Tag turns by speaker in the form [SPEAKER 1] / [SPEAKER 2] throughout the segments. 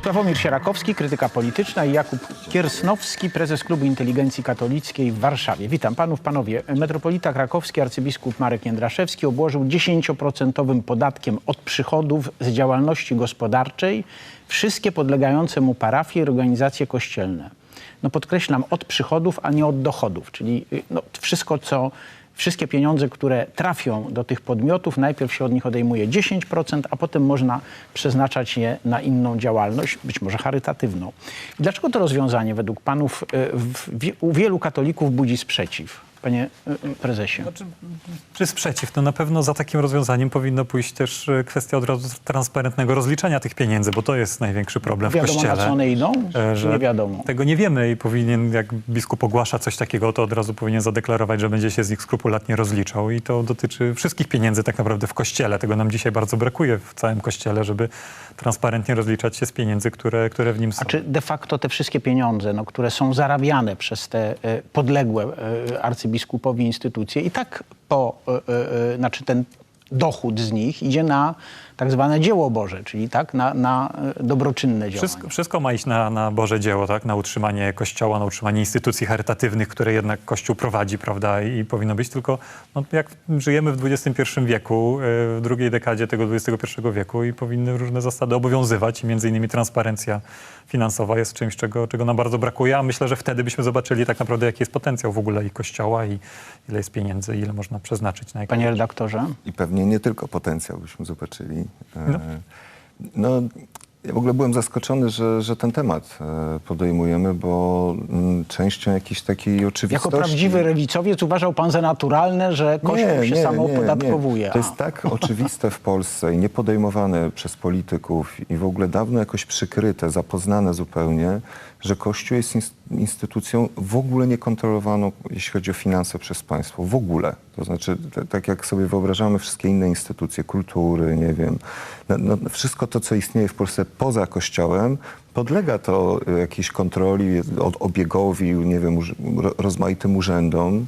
[SPEAKER 1] Sławomir Sierakowski, krytyka polityczna, i Jakub Kiersnowski, prezes Klubu Inteligencji Katolickiej w Warszawie. Witam panów, panowie. Metropolita krakowski, arcybiskup Marek Jędraszewski obłożył 10% podatkiem od przychodów z działalności gospodarczej wszystkie podlegające mu parafie i organizacje kościelne. No podkreślam, od przychodów, a nie od dochodów, czyli wszystkie pieniądze, które trafią do tych podmiotów, najpierw się od nich odejmuje 10%, a potem można przeznaczać je na inną działalność, być może charytatywną. I dlaczego to rozwiązanie według panów u wielu katolików budzi sprzeciw? Panie prezesie.
[SPEAKER 2] Czy sprzeciw? No na pewno za takim rozwiązaniem powinno pójść też kwestia od razu transparentnego rozliczania tych pieniędzy, bo to jest największy problem w Kościele.
[SPEAKER 1] Wiadomo, na co one idą? Czy nie wiadomo?
[SPEAKER 2] Tego nie wiemy i powinien, jak biskup ogłasza coś takiego, to od razu powinien zadeklarować, że będzie się z nich skrupulatnie rozliczał. I to dotyczy wszystkich pieniędzy tak naprawdę w Kościele. Tego nam dzisiaj bardzo brakuje w całym Kościele, żeby transparentnie rozliczać się z pieniędzy, które w nim są.
[SPEAKER 1] A czy de facto te wszystkie pieniądze, które są zarabiane przez te podległe arcybiskupowi instytucje, i tak ten dochód z nich idzie na tak zwane dzieło Boże, czyli tak, na dobroczynne działania.
[SPEAKER 2] Wszystko ma iść na Boże dzieło, tak? Na utrzymanie Kościoła, na utrzymanie instytucji charytatywnych, które jednak Kościół prowadzi, prawda? I powinno być, tylko jak żyjemy w XXI wieku, w drugiej dekadzie tego XXI wieku, i powinny różne zasady obowiązywać, i między innymi transparencja finansowa jest czymś, czego nam bardzo brakuje, a myślę, że wtedy byśmy zobaczyli tak naprawdę, jaki jest potencjał w ogóle i Kościoła, i ile jest pieniędzy, ile można przeznaczyć na jakieś...
[SPEAKER 1] Panie redaktorze?
[SPEAKER 3] I pewnie nie tylko potencjał byśmy zobaczyli. Ja w ogóle byłem zaskoczony, że ten temat podejmujemy, bo częścią jakiejś takiej oczywistości...
[SPEAKER 1] Jako prawdziwy lewicowiec uważał pan za naturalne, że Kościół się samoopodatkowuje.
[SPEAKER 3] To jest tak oczywiste w Polsce i niepodejmowane przez polityków i w ogóle dawno jakoś przykryte, zapoznane zupełnie, że Kościół jest instytucją w ogóle niekontrolowaną, jeśli chodzi o finanse, przez państwo. W ogóle. To znaczy, tak jak sobie wyobrażamy wszystkie inne instytucje, kultury, nie wiem, wszystko to, co istnieje w Polsce poza Kościołem, podlega to jakiejś kontroli, obiegowi, nie wiem, rozmaitym urzędom.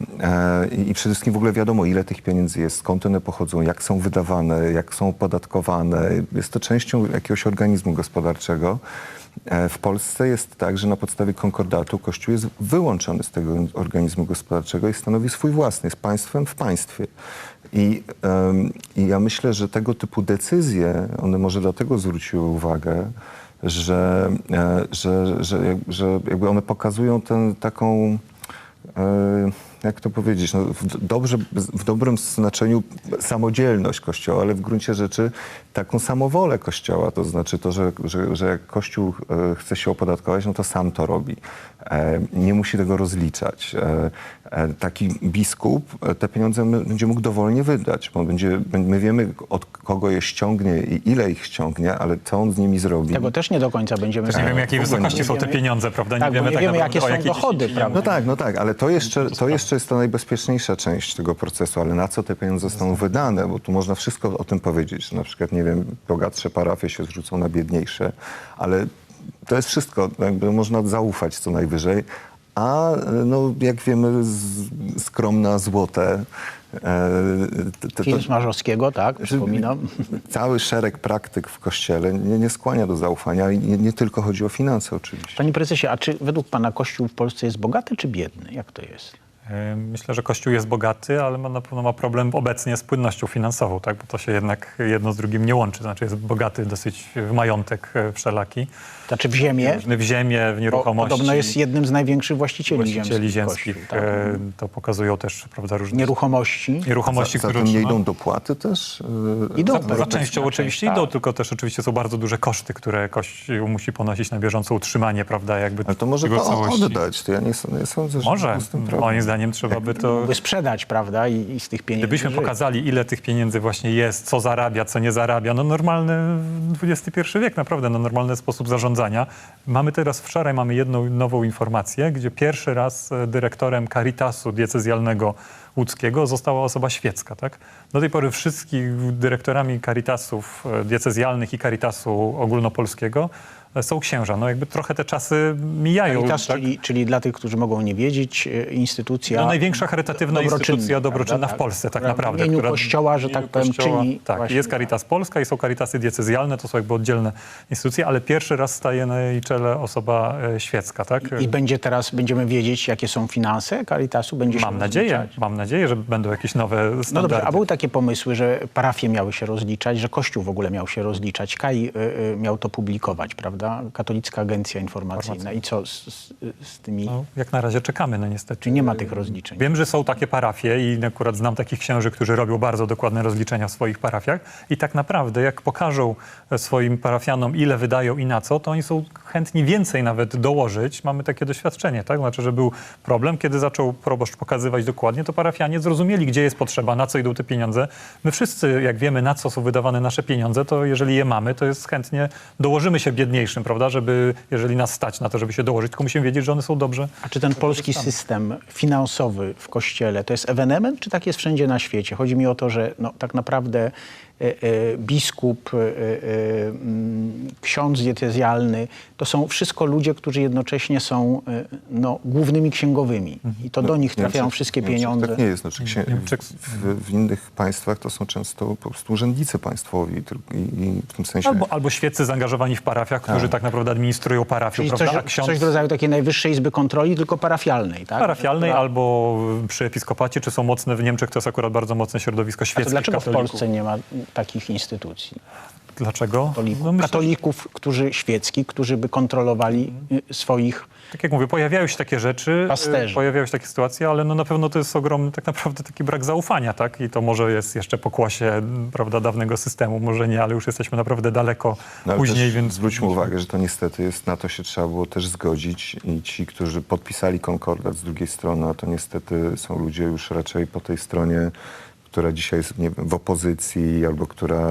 [SPEAKER 3] I przede wszystkim w ogóle wiadomo, ile tych pieniędzy jest, skąd one pochodzą, jak są wydawane, jak są opodatkowane. Jest to częścią jakiegoś organizmu gospodarczego. W Polsce jest tak, że na podstawie konkordatu Kościół jest wyłączony z tego organizmu gospodarczego i stanowi swój własny, jest państwem w państwie. I ja myślę, że tego typu decyzje, one może dlatego zwróciły uwagę, że jakby one pokazują taką... jak to powiedzieć, w dobrym znaczeniu samodzielność Kościoła, ale w gruncie rzeczy taką samowolę Kościoła. To znaczy to, że jak Kościół chce się opodatkować, no to sam to robi. Nie musi tego rozliczać. Taki biskup te pieniądze będzie mógł dowolnie wydać, bo my wiemy, od kogo je ściągnie i ile ich ściągnie, ale co on z nimi zrobi.
[SPEAKER 1] Tego też nie do końca będziemy...
[SPEAKER 2] Nie wiemy, jakiej wysokości są te pieniądze, prawda?
[SPEAKER 1] Tak, nie wiemy jakie są dochody, prawda?
[SPEAKER 3] No tak, ale to jeszcze jest ta najbezpieczniejsza część tego procesu, ale na co te pieniądze zostaną wydane, bo tu można wszystko o tym powiedzieć. Na przykład, nie wiem, bogatsze parafie się zrzucą na biedniejsze, ale to jest wszystko, jakby można zaufać co najwyżej, a jak wiemy, skromna złote...
[SPEAKER 1] Film Smarzowskiego, tak, przypominam.
[SPEAKER 3] Cały szereg praktyk w Kościele nie skłania do zaufania i nie tylko chodzi o finanse oczywiście.
[SPEAKER 1] Panie prezesie, a czy według pana Kościół w Polsce jest bogaty czy biedny? Jak to jest?
[SPEAKER 2] Myślę, że Kościół jest bogaty, ale na pewno ma problem obecnie z płynnością finansową, tak? Bo to się jednak jedno z drugim nie łączy. Znaczy jest bogaty dosyć w majątek wszelaki.
[SPEAKER 1] Znaczy w ziemię?
[SPEAKER 2] W ziemię, w nieruchomości.
[SPEAKER 1] Podobno jest jednym z największych właścicieli ziemskich.
[SPEAKER 2] Kościół, tak. To pokazują też, prawda, różne...
[SPEAKER 1] Nieruchomości,
[SPEAKER 3] za tym nie idą dopłaty też?
[SPEAKER 1] Idą.
[SPEAKER 2] Za częścią oczywiście idą, tylko też oczywiście są bardzo duże koszty, które Kościół musi ponosić na bieżące utrzymanie, prawda, jakby...
[SPEAKER 3] Ale to może to oddać. To ja nie sądzę, że
[SPEAKER 2] może,
[SPEAKER 3] z tym problem.
[SPEAKER 2] Moim zdaniem trzeba by to...
[SPEAKER 1] By sprzedać, prawda, i z tych pieniędzy
[SPEAKER 2] Gdybyśmy pokazali, ile tych pieniędzy właśnie jest, co zarabia, co nie zarabia, normalny XXI wiek, naprawdę, normalny sposób zarządzania. Wczoraj mamy jedną nową informację, gdzie pierwszy raz dyrektorem Caritasu diecezjalnego łódzkiego została osoba świecka, tak? Do tej pory wszystkich dyrektorami Caritasów diecezjalnych i Caritasu ogólnopolskiego są księża. No jakby trochę te czasy mijają.
[SPEAKER 1] Caritas,
[SPEAKER 2] tak?
[SPEAKER 1] czyli dla tych, którzy mogą nie wiedzieć, instytucja...
[SPEAKER 2] No, największa charytatywna instytucja dobroczynna w Polsce, tak naprawdę.
[SPEAKER 1] W imieniu Kościoła, że tak powiem, czyni...
[SPEAKER 2] Tak,
[SPEAKER 1] właśnie
[SPEAKER 2] jest Caritas Polska i są Caritasy diecezjalne, to są jakby oddzielne instytucje, ale pierwszy raz staje na jej czele osoba świecka, tak?
[SPEAKER 1] I będziemy wiedzieć, jakie są finanse Caritasu? Będzie się rozliczać?
[SPEAKER 2] Mam nadzieję, że będą jakieś nowe standardy.
[SPEAKER 1] No dobrze, a były takie pomysły, że parafie miały się rozliczać, że Kościół w ogóle miał się rozliczać. KAI miał to publikować, prawda? Katolicka Agencja Informacyjna. I co z tymi...
[SPEAKER 2] No, jak na razie czekamy, no niestety.
[SPEAKER 1] Czyli nie ma tych rozliczeń.
[SPEAKER 2] Wiem, że są takie parafie i akurat znam takich księży, którzy robią bardzo dokładne rozliczenia w swoich parafiach i tak naprawdę jak pokażą swoim parafianom, ile wydają i na co, to oni są chętni więcej nawet dołożyć. Mamy takie doświadczenie, tak? Znaczy, że był problem, kiedy zaczął proboszcz pokazywać dokładnie, to parafianie zrozumieli, gdzie jest potrzeba, na co idą te pieniądze. My wszyscy, jak wiemy, na co są wydawane nasze pieniądze, to jeżeli je mamy, to jest chętnie dołożymy się biedniejszym, prawda? Żeby, jeżeli nas stać na to, żeby się dołożyć, tylko musimy wiedzieć, że one są dobrze.
[SPEAKER 1] A czy ten polski system finansowy w Kościele to jest ewenement, czy tak jest wszędzie na świecie? Chodzi mi o to, że no, tak naprawdę biskup, ksiądz diecezjalny, to są wszystko ludzie, którzy jednocześnie są no, głównymi księgowymi. I to do nich trafiają wszystkie pieniądze.
[SPEAKER 3] Tak nie jest. Znaczy, w innych państwach to są często po prostu urzędnicy państwowi i w tym sensie...
[SPEAKER 2] Albo świeccy zaangażowani w parafiach, którzy tak naprawdę administrują parafią,
[SPEAKER 1] Czyli
[SPEAKER 2] prawda?
[SPEAKER 1] coś w rodzaju takiej najwyższej izby kontroli, tylko parafialnej, tak?
[SPEAKER 2] Parafialnej albo przy episkopacie, czy są mocne w Niemczech, to jest akurat bardzo mocne środowisko
[SPEAKER 1] A
[SPEAKER 2] świeckie.
[SPEAKER 1] to dlaczego
[SPEAKER 2] katolików.
[SPEAKER 1] w Polsce nie ma takich instytucji?
[SPEAKER 2] Dlaczego?
[SPEAKER 1] No, katolików, świeckich, którzy by kontrolowali swoich...
[SPEAKER 2] Tak jak mówię, pojawiają się takie rzeczy,
[SPEAKER 1] Pasterzy.
[SPEAKER 2] pojawiają się takie sytuacje, ale no na pewno to jest ogromny tak naprawdę taki brak zaufania, tak? I to może jest jeszcze pokłosie, prawda, dawnego systemu, może nie, ale już jesteśmy naprawdę daleko
[SPEAKER 3] No, ale
[SPEAKER 2] później,
[SPEAKER 3] też
[SPEAKER 2] więc...
[SPEAKER 3] zwróćmy uwagę, że to niestety jest, na to się trzeba było też zgodzić i ci, którzy podpisali konkordat z drugiej strony, a to niestety są ludzie już raczej po tej stronie, która dzisiaj jest, nie wiem, w opozycji, albo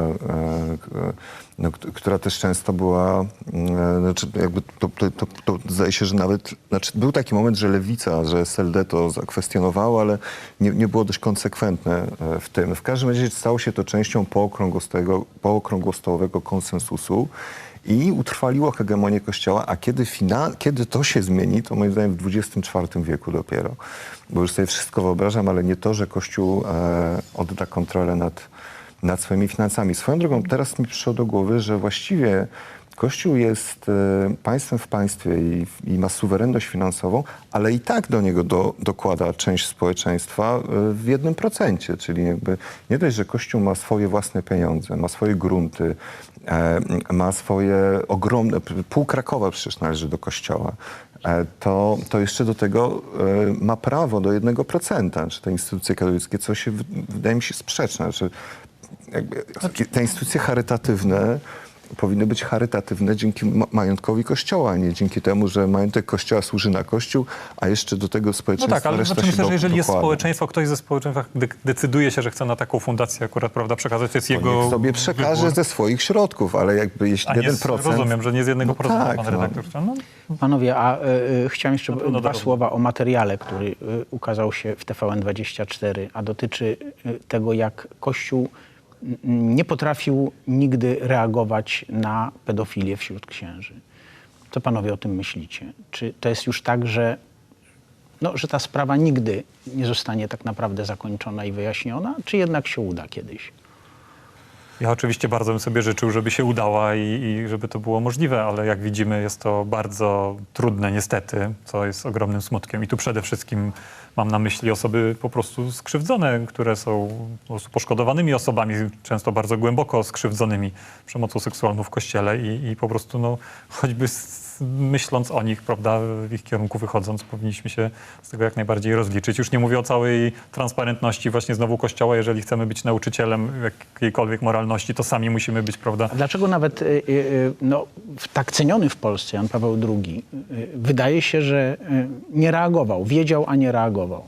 [SPEAKER 3] która też często była, znaczy jakby to zdaje się, że nawet, znaczy był taki moment, że Lewica, że SLD to zakwestionowało, ale nie było dość konsekwentne w tym. W każdym razie stało się to częścią pookrągłostołowego konsensusu i utrwaliło hegemonię Kościoła, a kiedy to się zmieni, to moim zdaniem w XXIV wieku dopiero. Bo już sobie wszystko wyobrażam, ale nie to, że Kościół odda kontrolę nad swoimi finansami. Swoją drogą, teraz mi przyszło do głowy, że właściwie Kościół jest państwem w państwie i ma suwerenność finansową, ale i tak do niego dokłada część społeczeństwa w 1%. Czyli jakby nie dość, że Kościół ma swoje własne pieniądze, ma swoje grunty, ma swoje ogromne... Pół Krakowa przecież należy do Kościoła. To jeszcze do tego ma prawo do 1%, czy te instytucje katolickie, co się wydaje mi się sprzeczne. Znaczy, te instytucje charytatywne powinny być charytatywne dzięki majątkowi Kościoła, a nie dzięki temu, że majątek Kościoła służy na Kościół, a jeszcze do tego społeczeństwa
[SPEAKER 2] No tak, ale
[SPEAKER 3] reszta
[SPEAKER 2] znaczy
[SPEAKER 3] się
[SPEAKER 2] myślę, że jeżeli jest
[SPEAKER 3] dokłada.
[SPEAKER 2] społeczeństwo, ktoś ze społeczeństwa decyduje się, że chce na taką fundację akurat, prawda, przekazać, to jest jego
[SPEAKER 3] Niech sobie przekaże
[SPEAKER 2] wybór.
[SPEAKER 3] ze swoich środków, ale jakby jeśli
[SPEAKER 2] A nie
[SPEAKER 3] 1%...
[SPEAKER 2] rozumiem, że nie z 1%,
[SPEAKER 3] No tak,
[SPEAKER 2] pan
[SPEAKER 3] no.
[SPEAKER 2] redaktor. No.
[SPEAKER 1] Panowie, a chciałem jeszcze
[SPEAKER 2] Na pewno
[SPEAKER 1] dwa
[SPEAKER 2] darowne.
[SPEAKER 1] słowa o materiale, który ukazał się w TVN24, a dotyczy tego, jak Kościół nie potrafił nigdy reagować na pedofilię wśród księży. Co panowie o tym myślicie? Czy to jest już tak, że ta sprawa nigdy nie zostanie tak naprawdę zakończona i wyjaśniona, czy jednak się uda kiedyś?
[SPEAKER 2] Ja oczywiście bardzo bym sobie życzył, żeby się udała i żeby to było możliwe, ale jak widzimy jest to bardzo trudne niestety, co jest ogromnym smutkiem. I tu przede wszystkim mam na myśli osoby po prostu skrzywdzone, które są po prostu poszkodowanymi osobami, często bardzo głęboko skrzywdzonymi przemocą seksualną w Kościele i po prostu no, choćby myśląc o nich, prawda, w ich kierunku wychodząc, powinniśmy się z tego jak najbardziej rozliczyć. Już nie mówię o całej transparentności właśnie znowu Kościoła. Jeżeli chcemy być nauczycielem jakiejkolwiek moralności, to sami musimy być, prawda?
[SPEAKER 1] A dlaczego nawet tak ceniony w Polsce Jan Paweł II wydaje się, że nie reagował, wiedział, a nie reagował?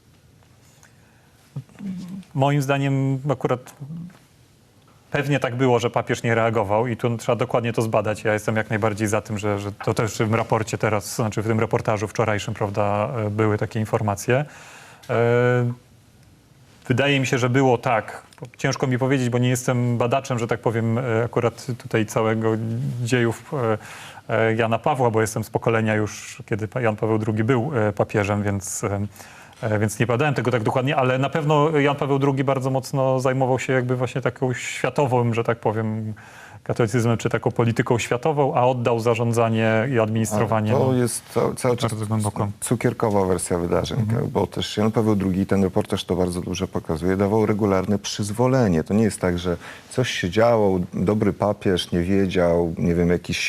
[SPEAKER 2] Moim zdaniem akurat pewnie tak było, że papież nie reagował i tu trzeba dokładnie to zbadać. Ja jestem jak najbardziej za tym, że to też w tym raporcie teraz, znaczy w tym reportażu wczorajszym, prawda, były takie informacje. wydaje mi się, że było tak. Ciężko mi powiedzieć, bo nie jestem badaczem, że tak powiem, akurat tutaj całego dziejów Jana Pawła, bo jestem z pokolenia już, kiedy Jan Paweł II był papieżem, więc nie badałem tego tak dokładnie, ale na pewno Jan Paweł II bardzo mocno zajmował się jakby właśnie taką światową, że tak powiem, katolicyzmem czy taką polityką światową, a oddał zarządzanie i administrowanie.
[SPEAKER 3] To jest cały czas
[SPEAKER 2] bardzo głęboko.
[SPEAKER 3] cukierkowa wersja wydarzeń, bo też Jan Paweł II, ten reportaż to bardzo dobrze pokazuje, dawał regularne przyzwolenie. To nie jest tak, że coś się działo, dobry papież nie wiedział, nie wiem, jakiś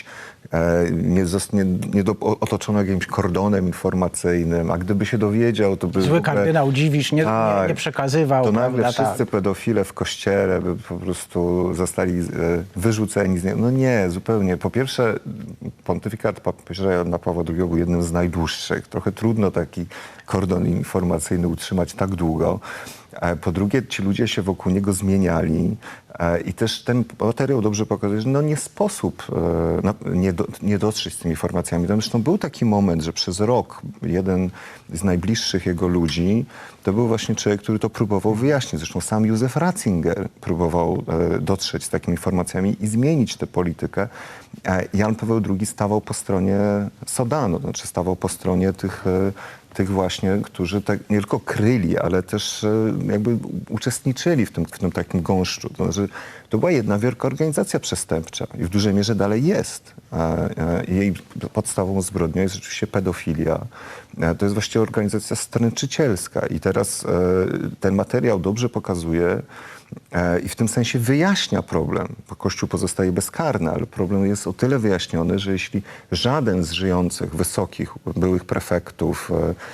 [SPEAKER 3] otoczony jakimś kordonem informacyjnym, a gdyby się dowiedział, to by...
[SPEAKER 1] Zły kardynał Dziwisz nie
[SPEAKER 3] Tak,
[SPEAKER 1] przekazywał.
[SPEAKER 3] to nagle
[SPEAKER 1] prawda,
[SPEAKER 3] wszyscy pedofile w kościele by po prostu zostali wyrzuceni z niego. No nie, zupełnie. Po pierwsze, pontyfikat papieża Jana Pawła II był jednym z najdłuższych. Trochę trudno taki kordon informacyjny utrzymać tak długo. Po drugie, ci ludzie się wokół niego zmieniali i też ten materiał dobrze pokazuje, że no nie sposób nie dotrzeć z tymi informacjami. Tam zresztą był taki moment, że przez rok jeden z najbliższych jego ludzi to był właśnie człowiek, który to próbował wyjaśnić. Zresztą sam Józef Ratzinger próbował dotrzeć z takimi informacjami i zmienić tę politykę. Jan Paweł II stawał po stronie Sodanu, to znaczy stawał po stronie tych właśnie, którzy tak nie tylko kryli, ale też jakby uczestniczyli w tym takim gąszczu. To znaczy, to była jedna wielka organizacja przestępcza i w dużej mierze dalej jest. Jej podstawową zbrodnią jest oczywiście pedofilia. To jest właściwie organizacja stręczycielska i teraz ten materiał dobrze pokazuje i w tym sensie wyjaśnia problem, bo Kościół pozostaje bezkarny, ale problem jest o tyle wyjaśniony, że jeśli żaden z żyjących, wysokich, byłych prefektów,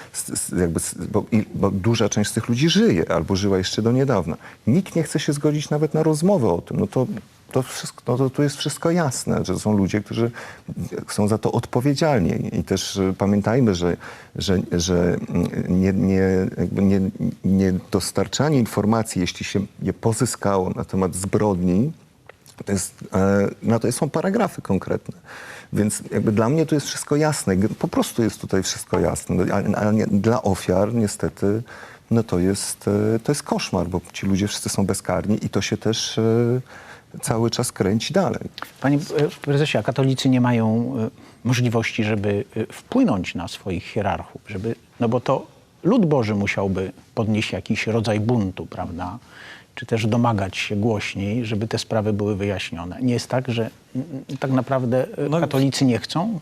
[SPEAKER 3] bo duża część z tych ludzi żyje albo żyła jeszcze do niedawna, nikt nie chce się zgodzić nawet na rozmowę o tym, to jest wszystko jasne, że są ludzie, którzy są za to odpowiedzialni. I też pamiętajmy, że dostarczanie informacji, jeśli się je pozyskało na temat zbrodni, na to są paragrafy konkretne. Więc jakby dla mnie to jest wszystko jasne. Po prostu jest tutaj wszystko jasne. Ale dla ofiar niestety to jest koszmar, bo ci ludzie wszyscy są bezkarni i to się też cały czas kręci dalej.
[SPEAKER 1] Panie prezesie, a katolicy nie mają możliwości, żeby wpłynąć na swoich hierarchów, no bo to lud Boży musiałby podnieść jakiś rodzaj buntu, prawda? Czy też domagać się głośniej, żeby te sprawy były wyjaśnione. Nie jest tak, że tak naprawdę katolicy nie chcą?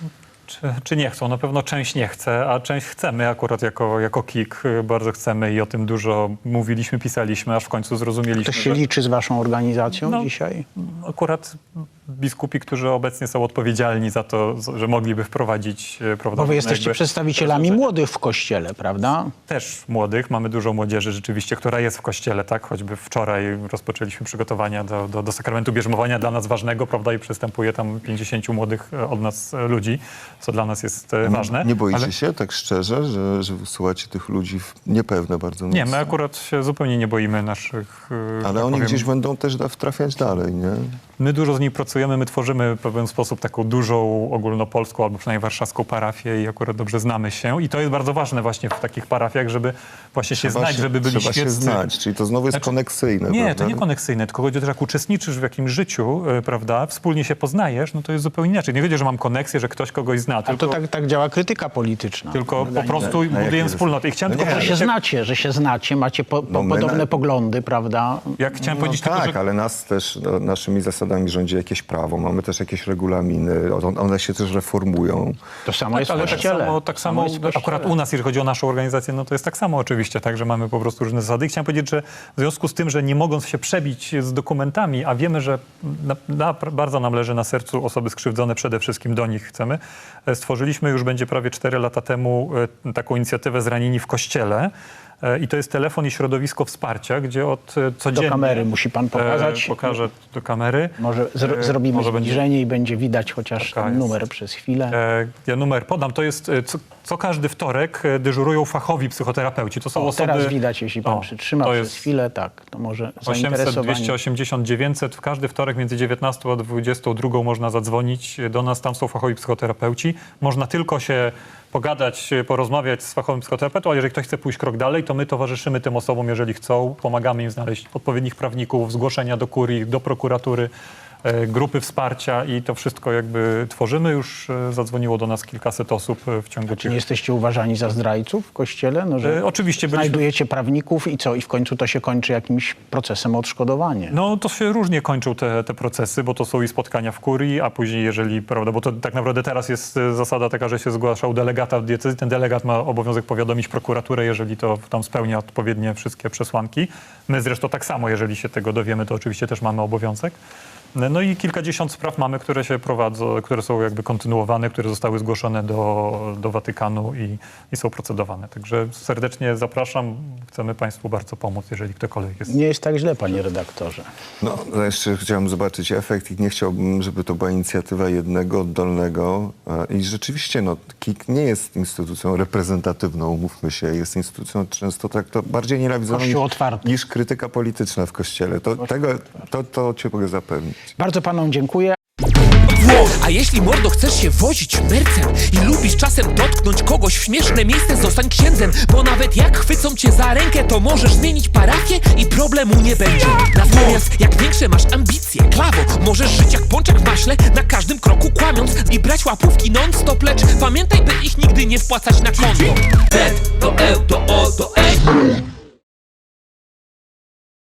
[SPEAKER 2] Czy nie chcą? Na pewno część nie chce, a część chcemy. Akurat jako KIK bardzo chcemy i o tym dużo mówiliśmy, pisaliśmy, aż w końcu zrozumieliśmy.
[SPEAKER 1] Ktoś się liczy z waszą organizacją dzisiaj?
[SPEAKER 2] Akurat biskupi, którzy obecnie są odpowiedzialni za to, że mogliby wprowadzić...
[SPEAKER 1] Bo wy jesteście przedstawicielami młodych w Kościele, prawda?
[SPEAKER 2] Też młodych. Mamy dużo młodzieży rzeczywiście, która jest w Kościele, tak? Choćby wczoraj rozpoczęliśmy przygotowania do sakramentu bierzmowania dla nas ważnego, prawda? I przystępuje tam 50 młodych od nas ludzi, co dla nas jest ważne.
[SPEAKER 3] Nie boicie się tak szczerze, że wysyłacie tych ludzi w niepewne bardzo miejsce?
[SPEAKER 2] Nie, my akurat się zupełnie nie boimy naszych...
[SPEAKER 3] Ale oni gdzieś będą też trafiać dalej, nie?
[SPEAKER 2] My dużo z nimi pracujemy, my tworzymy w pewien sposób taką dużą ogólnopolską albo przynajmniej warszawską parafię i akurat dobrze znamy się. I to jest bardzo ważne właśnie w takich parafiach, żeby właśnie się znać, żeby byli
[SPEAKER 3] świeccy. Trzeba się znać, czyli to znowu jest koneksyjne.
[SPEAKER 2] Nie,
[SPEAKER 3] prawda?
[SPEAKER 2] to nie koneksyjne, tylko chodzi o to, że jak uczestniczysz w jakimś życiu, prawda, wspólnie się poznajesz, no to jest zupełnie inaczej. Nie chodzi, że mam koneksję, że ktoś kogoś zna.
[SPEAKER 1] A to tak działa krytyka polityczna.
[SPEAKER 2] Tylko po prostu budujemy wspólnotę. I chciałem tylko
[SPEAKER 1] że się znacie, macie podobne poglądy, prawda?
[SPEAKER 2] Jak chciałem powiedzieć
[SPEAKER 3] tak,
[SPEAKER 2] tylko, że...
[SPEAKER 3] ale nas też, naszymi zasadami rządzi jakieś prawo. Mamy też jakieś regulaminy. One się też reformują.
[SPEAKER 1] To samo jest w
[SPEAKER 2] Ale
[SPEAKER 1] Kościele.
[SPEAKER 2] tak samo akurat u nas, jeżeli chodzi o naszą organizację, no to jest tak samo oczywiście, tak, że mamy po prostu różne zasady. I chciałem powiedzieć, że w związku z tym, że nie mogąc się przebić z dokumentami, a wiemy, że bardzo nam leży na sercu osoby skrzywdzone, przede wszystkim do nich chcemy, stworzyliśmy już będzie prawie 4 lata temu taką inicjatywę Zranieni w Kościele. I to jest telefon i środowisko wsparcia, gdzie od codziennie...
[SPEAKER 1] Do kamery musi pan pokazać.
[SPEAKER 2] Pokażę do kamery.
[SPEAKER 1] Może zrobimy
[SPEAKER 2] może
[SPEAKER 1] zbliżenie i będzie widać chociaż ten numer przez chwilę.
[SPEAKER 2] Ja numer podam. To jest Co każdy wtorek dyżurują fachowi psychoterapeuci. To są
[SPEAKER 1] O,
[SPEAKER 2] osoby...
[SPEAKER 1] teraz widać, jeśli pan przytrzyma
[SPEAKER 2] to
[SPEAKER 1] przez
[SPEAKER 2] jest
[SPEAKER 1] chwilę, tak, to może
[SPEAKER 2] 800,
[SPEAKER 1] zainteresowanie.
[SPEAKER 2] 280, 900. W każdy wtorek między 19 a 22 można zadzwonić do nas. Tam są fachowi psychoterapeuci. Można tylko się pogadać, porozmawiać z fachowym psychoterapeutą, a jeżeli ktoś chce pójść krok dalej, to my towarzyszymy tym osobom, jeżeli chcą. Pomagamy im znaleźć odpowiednich prawników, zgłoszenia do kurii, do prokuratury, grupy wsparcia i to wszystko jakby tworzymy. Już zadzwoniło do nas kilkaset osób w ciągu
[SPEAKER 1] Czy nie jesteście uważani za zdrajców w Kościele? No, że
[SPEAKER 2] Oczywiście byliśmy...
[SPEAKER 1] znajdujecie prawników i co? I w końcu to się kończy jakimś procesem o odszkodowanie.
[SPEAKER 2] No to się różnie kończą te procesy, bo to są i spotkania w kurii, a później jeżeli, prawda, bo to tak naprawdę teraz jest zasada taka, że się zgłaszał delegata w diecezji, ten delegat ma obowiązek powiadomić prokuraturę, jeżeli to tam spełnia odpowiednie wszystkie przesłanki. My zresztą tak samo, jeżeli się tego dowiemy, to oczywiście też mamy obowiązek. No i kilkadziesiąt spraw mamy, które się prowadzą, które są jakby kontynuowane, które zostały zgłoszone do Watykanu i są procedowane. Także serdecznie zapraszam. Chcemy Państwu bardzo pomóc, jeżeli ktokolwiek jest.
[SPEAKER 1] Nie jest tak źle, panie redaktorze.
[SPEAKER 3] No, jeszcze chciałem zobaczyć efekt i nie chciałbym, żeby to była inicjatywa jednego, oddolnego. I rzeczywiście, no, KIK nie jest instytucją reprezentatywną, umówmy się. Jest instytucją często bardziej nienawidzoną
[SPEAKER 1] Kościół otwarty.
[SPEAKER 3] niż krytyka polityczna w Kościele. To cię mogę zapewnić.
[SPEAKER 1] Bardzo panom dziękuję.
[SPEAKER 4] A jeśli, mordo, chcesz się wozić mercem i lubisz czasem dotknąć kogoś w śmieszne miejsce, zostań księdzem, bo nawet jak chwycą cię za rękę, to możesz zmienić parafię i problemu nie będzie. Natomiast jak większe masz ambicje, klawo, możesz żyć jak pączek w maśle, na każdym kroku kłamiąc i brać łapówki non-stop, lecz pamiętaj, by ich nigdy nie wpłacać na konto. Bet to to O to